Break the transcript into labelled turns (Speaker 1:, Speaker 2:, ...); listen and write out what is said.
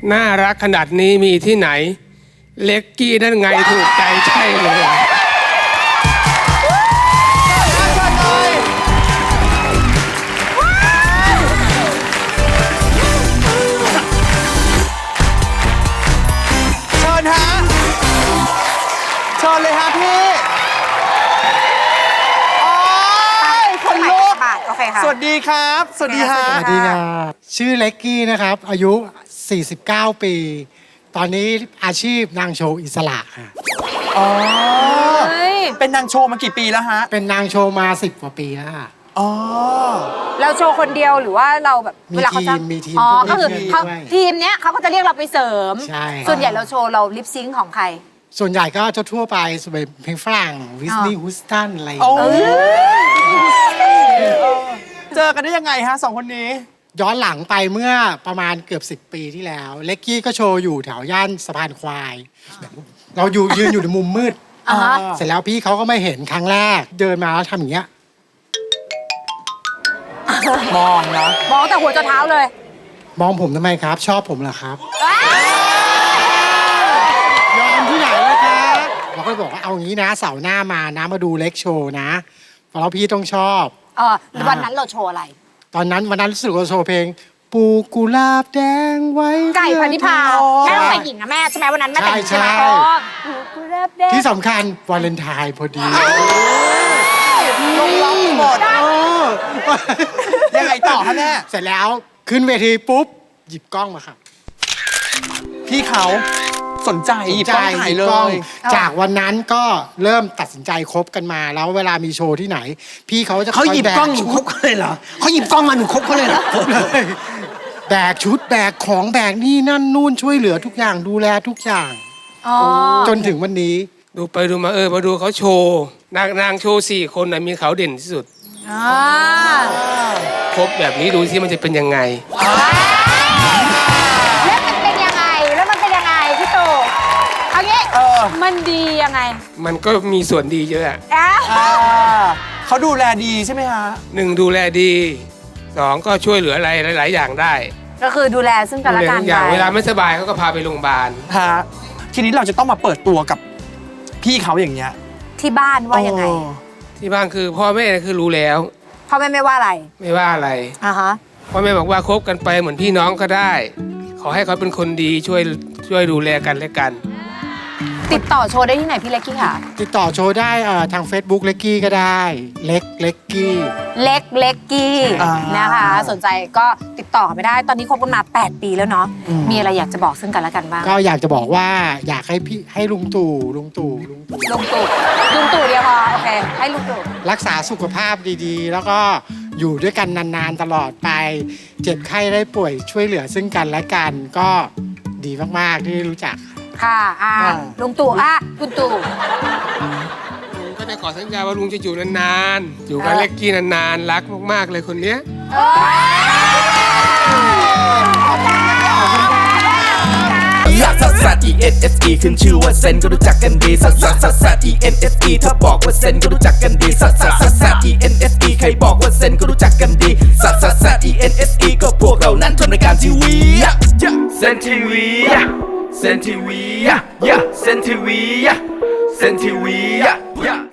Speaker 1: น่ารักขนาดนี้มีที่ไหนเล็กกี้นั่นไงถูกใจใช่เลย
Speaker 2: เชิญฮะเชิญเลยฮะพี่คนลุก
Speaker 3: โอเคค่ะ
Speaker 2: สวัสดีครับ สวัสดีฮะ
Speaker 3: ส
Speaker 4: ส
Speaker 3: วั
Speaker 4: วั
Speaker 3: ส
Speaker 4: ส
Speaker 3: ดี
Speaker 4: ดี
Speaker 3: ค
Speaker 4: ค
Speaker 3: รั
Speaker 4: รับ ชื่อเล็กกี้นะครับ อายุ 49 ปี ตอนนี้อาชีพนางโชว์อิสระค่ะ
Speaker 2: อ๋อ
Speaker 3: เฮ้ย
Speaker 2: เป็นนางโชว์มากี่ปีแล้วฮะ
Speaker 4: เป็นนางโชว์มา 10 กว่าปีแล้วค่ะ
Speaker 2: อ๋อ
Speaker 3: เราโชว์คนเดียวหรือว่าเราแบบ
Speaker 4: มี
Speaker 3: เวลาเขาจะ
Speaker 4: ทีมมีทีม
Speaker 3: อ๋อ
Speaker 4: พวก
Speaker 3: ก็คือ
Speaker 4: พี่
Speaker 3: เขา
Speaker 4: ด้วย
Speaker 3: ทีมเนี้ยเขาก็จะเรียกเราไปเสริม
Speaker 4: ใช่
Speaker 3: ส่วนใหญ่เราโชว์เราลิปซิงค์ของใคร
Speaker 4: ส่วนใหญ่ก็จะทั่วไปสมัยเพลงฝรั่งวิสนีย์ฮุสตันอะไรอย่าง
Speaker 2: โอ้
Speaker 4: เงี้ย
Speaker 2: เจอกันได้ยังไงฮะสองคนนี้
Speaker 4: ย้อนหลังไปเมื่อประมาณเกือบ 10 ปีที่แล้ว เล็กกี้ก็โชว์อยู่แถวย่านสะพานควาย เรายืนอยู่ในมุมมืด
Speaker 3: อ่าฮะ
Speaker 4: เสร็จแล้วพี่เขาก็ไม่เห็นครั้งแรก เดินมาแล้วทำอย่างเงี้ย
Speaker 2: มองนะ
Speaker 3: มองแต่หัวจนเท้าเลย
Speaker 4: มองผมทำไมครับ ชอบผมเหรอครับ ยอมที่ไหนเลยครับเราก็เลยบอกว่าเอางี้นะเสาร์หน้ามานะมาดูเล็กโชว์นะเพราะพี่ต้องชอบ
Speaker 3: วันนั้นเราโชว์อะไร
Speaker 4: ตอนนั้นวันนั้นรู้สึกว่าโชว์เพลงปลูกกุหลาบแดงไว้
Speaker 3: ไก่พันธิพา
Speaker 4: อ๋อ
Speaker 3: แม่ต้องเป็นหญิงนะแม่ใช่ไหมวันนั้นแม่แต่งหญิงใช่ไหม
Speaker 4: ใช่
Speaker 3: อ๋อกุหลาบแดง
Speaker 4: ที่สำคัญวาเลนไทน์พอดี
Speaker 2: ลงล็อกหมด ยังไงต่อฮะแม่
Speaker 4: เสร็จแล้วขึ้นเวทีปุ๊บ หยิบกล้องมาครับ
Speaker 2: พี่เขาสนใจหยิบกล้องถ่ายเล
Speaker 4: หบกอง
Speaker 2: ย
Speaker 4: จากวันนั้นก็เริ่มตัดสินใจคบกันมา แล้วเวลามีโชว์ที่ไหน พี่เขาจะ
Speaker 5: เขาหยิบกล้องหนู
Speaker 4: ชุ
Speaker 5: ค
Speaker 4: ด
Speaker 5: บเขาเลยเหรอเขาหยิบกล้องมาหนูคบเขาเลยเหรอ
Speaker 4: เลยแบกชุดแบกของแบกนี่นั่นนู่นช่วยเหลือทุกอย่างดูแลทุกอย่าง
Speaker 3: อ๋อ
Speaker 4: จนถึงวันนี้
Speaker 1: ดูไปดูมามาดูเขาโชว์นางโชว์4 คนนะมีเขาเด่นที่สุด
Speaker 3: อ่า
Speaker 1: ครบแบบนี้ดูสิมันจะเป็นยังไง
Speaker 3: แล้วมันเป็นยังไงพี่ตู่เอางี้
Speaker 2: เออ
Speaker 3: มันดียังไง
Speaker 1: มันก็มีส่วนดีเยอะอะ
Speaker 3: อ่ะ
Speaker 2: เขาดูแลดีใช่ไหมฮะ
Speaker 1: 1ดูแลดี2ก็ช่วยเหลืออะไรหลาย ๆ อย่างได้
Speaker 3: ก็คือดูแลซึ่งกันและ
Speaker 1: ดูแล
Speaker 3: กัน
Speaker 1: ทุกอย่าง
Speaker 3: ไป
Speaker 1: เวลาไม่สบายเขาก็พาไปโรงพยาบาล
Speaker 2: ฮะ ทีนี้เราจะต้องมาเปิดตัวกับพี่เขาอย่างเงี้ย
Speaker 3: ที่บ้านว่ายังไง
Speaker 1: ที่บ้านคือพ่อแม่คือรู้แล้ว
Speaker 3: พ่อแม่ไม่ว่าอะไร
Speaker 1: ไม่ว่าอะไร
Speaker 3: อ่าฮะ
Speaker 1: พ่อแม่บอกว่าคบกันไปเหมือนพี่น้องก็ได้ ขอให้เขาเป็นคนดีช่วยดูแลกันและกัน
Speaker 3: ติดต่อโชว์ได้ที่ไหนพี่เล็กกี้ค่ะ
Speaker 4: ติดต่อโชว์ได้ทาง Facebook เล็กกี้ก็ได้ เล็กกี้
Speaker 3: เล็กกี้
Speaker 2: อ่า
Speaker 3: นะคะ สนใจก็ติดต่อไม่ได้ ตอนนี้คบกันมา 8 ปีแล้วเนาะ มีอะไรอยากจะบอกซึ่งกันและกันบ้าง
Speaker 4: ก็อยากจะบอกว่าอยากให้พี่ให้ลุงตู่
Speaker 3: ลุงตู่เดียวพอโอเค ให้ลุงตู่
Speaker 4: รักษาสุขภาพดีๆ แล้วก็อยู่ด้วยกันนานๆตลอดไป เจ็บไข้ได้ป่วยช่วยเหลือซึ่งกันและกันก็ดีมากๆที่รู้จัก
Speaker 3: ค่ะลุงตู่คุณตู่
Speaker 1: ลุงก็จะขอสัญญาว่าลุงจะอยู่นานๆ อยู่กับเล็กกี้นานๆ รักมากๆเลยคนเนี้ย
Speaker 6: ลักซัสซัส E N S E ขึ้นชื่อว่าเซนก็รู้จักกันดีซัสซัสซัสซัส E N S E ถ้าบอกว่าเซนก็รู้จักกันดีซัสซัสซัสซัส E N S E ใครบอกว่าเซนก็รู้จักกันดีซัสซัสซัส E N S E ก็พวกเรานั้นทำรายการทีวีเซนทีวีเซนทีวีเซนทีวีเซนทีวี